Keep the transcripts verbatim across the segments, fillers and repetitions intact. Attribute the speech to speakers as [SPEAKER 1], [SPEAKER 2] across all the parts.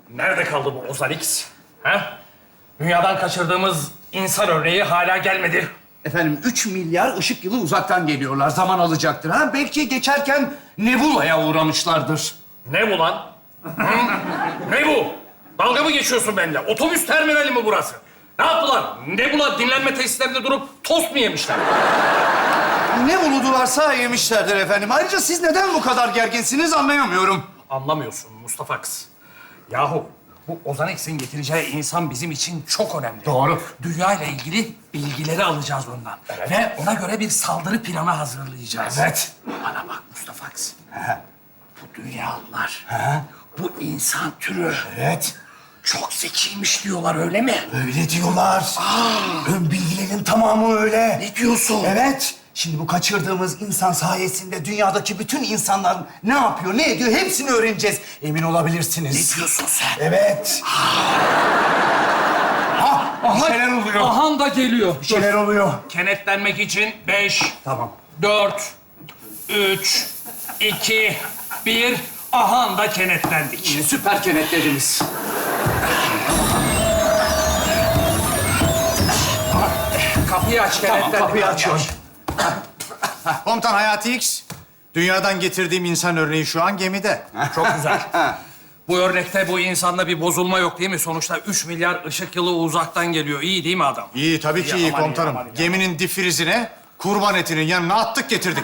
[SPEAKER 1] Nerede kaldı bu Ozan X? Ha? Dünyadan kaçırdığımız insan örneği hala gelmedi.
[SPEAKER 2] Efendim üç milyar ışık yılı uzaktan geliyorlar. Zaman alacaktır. Ha belki geçerken Nebula'ya uğramışlardır.
[SPEAKER 1] Ne bu lan? Hı? Ne bu? Dalga mı geçiyorsun benimle? Otobüs terminali mi burası? Ne yaptılar? Ne bu dinlenme tesislerinde durup tost mu yemişler?
[SPEAKER 2] Ne uludularsa yemişlerdir efendim. Ayrıca siz neden bu kadar gerginsiniz anlayamıyorum.
[SPEAKER 1] Anlamıyorsun Mustafa Kız. Yahu bu Ozan X'in getireceği insan bizim için çok önemli.
[SPEAKER 2] Doğru.
[SPEAKER 1] Dünya ile ilgili bilgileri alacağız ondan.
[SPEAKER 2] Evet.
[SPEAKER 1] Ve ona göre bir saldırı planı hazırlayacağız.
[SPEAKER 2] Evet.
[SPEAKER 1] Bana bak Mustafa Kız. Bu dünyalılar, bu insan türü
[SPEAKER 2] Evet.
[SPEAKER 1] çok zekiymiş diyorlar, öyle mi?
[SPEAKER 2] Öyle diyorlar. Ön bilgilerin tamamı öyle.
[SPEAKER 1] Ne diyorsun?
[SPEAKER 2] Evet. Şimdi bu kaçırdığımız insan sayesinde dünyadaki bütün insanlar ne yapıyor, ne ediyor hepsini öğreneceğiz. Emin olabilirsiniz.
[SPEAKER 1] Ne diyorsun sen?
[SPEAKER 2] Evet. Ha, bir şeyler oluyor.
[SPEAKER 1] Ahan da geliyor.
[SPEAKER 2] Bir şeyler oluyor.
[SPEAKER 1] Kenetlenmek için beş,
[SPEAKER 2] Tamam.
[SPEAKER 1] dört, üç, iki, bir. Ahan da kenetlendik.
[SPEAKER 2] Süper kenetlediniz.
[SPEAKER 1] Kapıyı aç, kenetlendik.
[SPEAKER 2] Tamam, kapıyı açıyorum.
[SPEAKER 3] Komutan Hayati X, dünyadan getirdiğim insan örneği şu an gemide.
[SPEAKER 1] Çok güzel. Bu örnekte bu insanda bir bozulma yok değil mi? Sonuçta üç milyar ışık yılı uzaktan geliyor. İyi değil mi adam?
[SPEAKER 3] İyi, tabii ki
[SPEAKER 1] İyi,
[SPEAKER 3] iyi
[SPEAKER 1] aman iyi,
[SPEAKER 3] komutanım.
[SPEAKER 1] aman iyi.
[SPEAKER 3] Geminin difrizine kurban etinin yanına attık getirdik.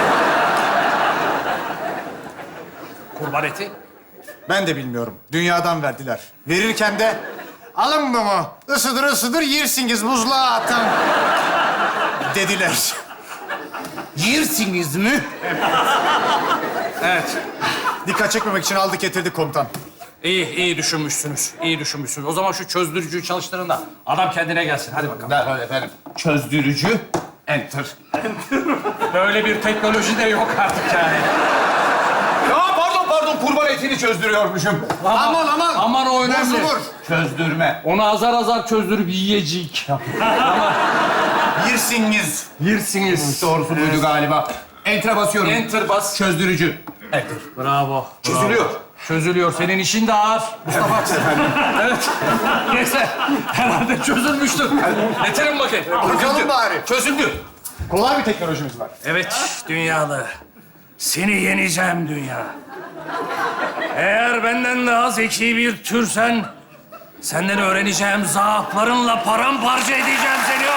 [SPEAKER 1] Kurban eti.
[SPEAKER 3] Ben de bilmiyorum. Dünyadan verdiler. Verirken de alın bunu, ısıdır ısıdır yersiniz, buzluğa atın dediler.
[SPEAKER 2] Yersiniz mi?
[SPEAKER 1] Evet.
[SPEAKER 3] Dikkat çekmemek için aldık getirdik komutan.
[SPEAKER 1] İyi, iyi düşünmüşsünüz. İyi düşünmüşsünüz. O zaman şu çözdürücüyü çalıştırın da adam kendine gelsin. Hadi bakalım.
[SPEAKER 2] Derhal efendim. Çözdürücü. Enter.
[SPEAKER 1] Böyle bir teknoloji de yok artık yani.
[SPEAKER 2] Ya pardon pardon kurban etini çözdürüyormuşum.
[SPEAKER 3] Aman aman!
[SPEAKER 1] Aman o önemli.
[SPEAKER 3] Bozulur.
[SPEAKER 2] Çözdürme.
[SPEAKER 1] Onu azar azar çözdürüp yiyecek.
[SPEAKER 3] Yersiniz.
[SPEAKER 1] Yersiniz.
[SPEAKER 2] Doğrusu buydu galiba. Enter'a basıyorum.
[SPEAKER 1] Enter bas.
[SPEAKER 2] Çözdürücü. Enter.
[SPEAKER 1] Bravo.
[SPEAKER 2] Çözülüyor.
[SPEAKER 1] Çözülüyor. Senin işin de ağır. Mustafa. Evet. Neyse. Herhalde çözülmüştür. Getirin bakayım.
[SPEAKER 3] Bakalım bari.
[SPEAKER 1] Çözüldü.
[SPEAKER 3] Kolay bir teknolojimiz var.
[SPEAKER 1] Evet dünyalı. Seni yeneceğim dünya. Eğer benden daha zeki bir türsen... ...senden öğreneceğim zaaflarınla paramparça edeceğim seni.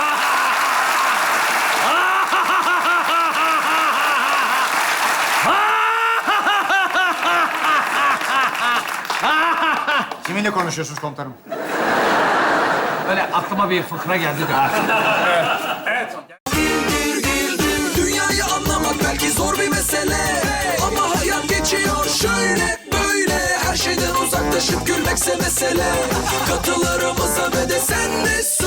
[SPEAKER 3] Kiminle konuşuyorsunuz komutanım?
[SPEAKER 1] Böyle aklıma bir fıkra geldi de. Evet.
[SPEAKER 4] Dünyayı anlamak belki zor bir mesele, ama hayat geçiyor şöyle böyle. Her şeyden uzaklaşıp gülmekse mesele. Katılarımıza ve de sen de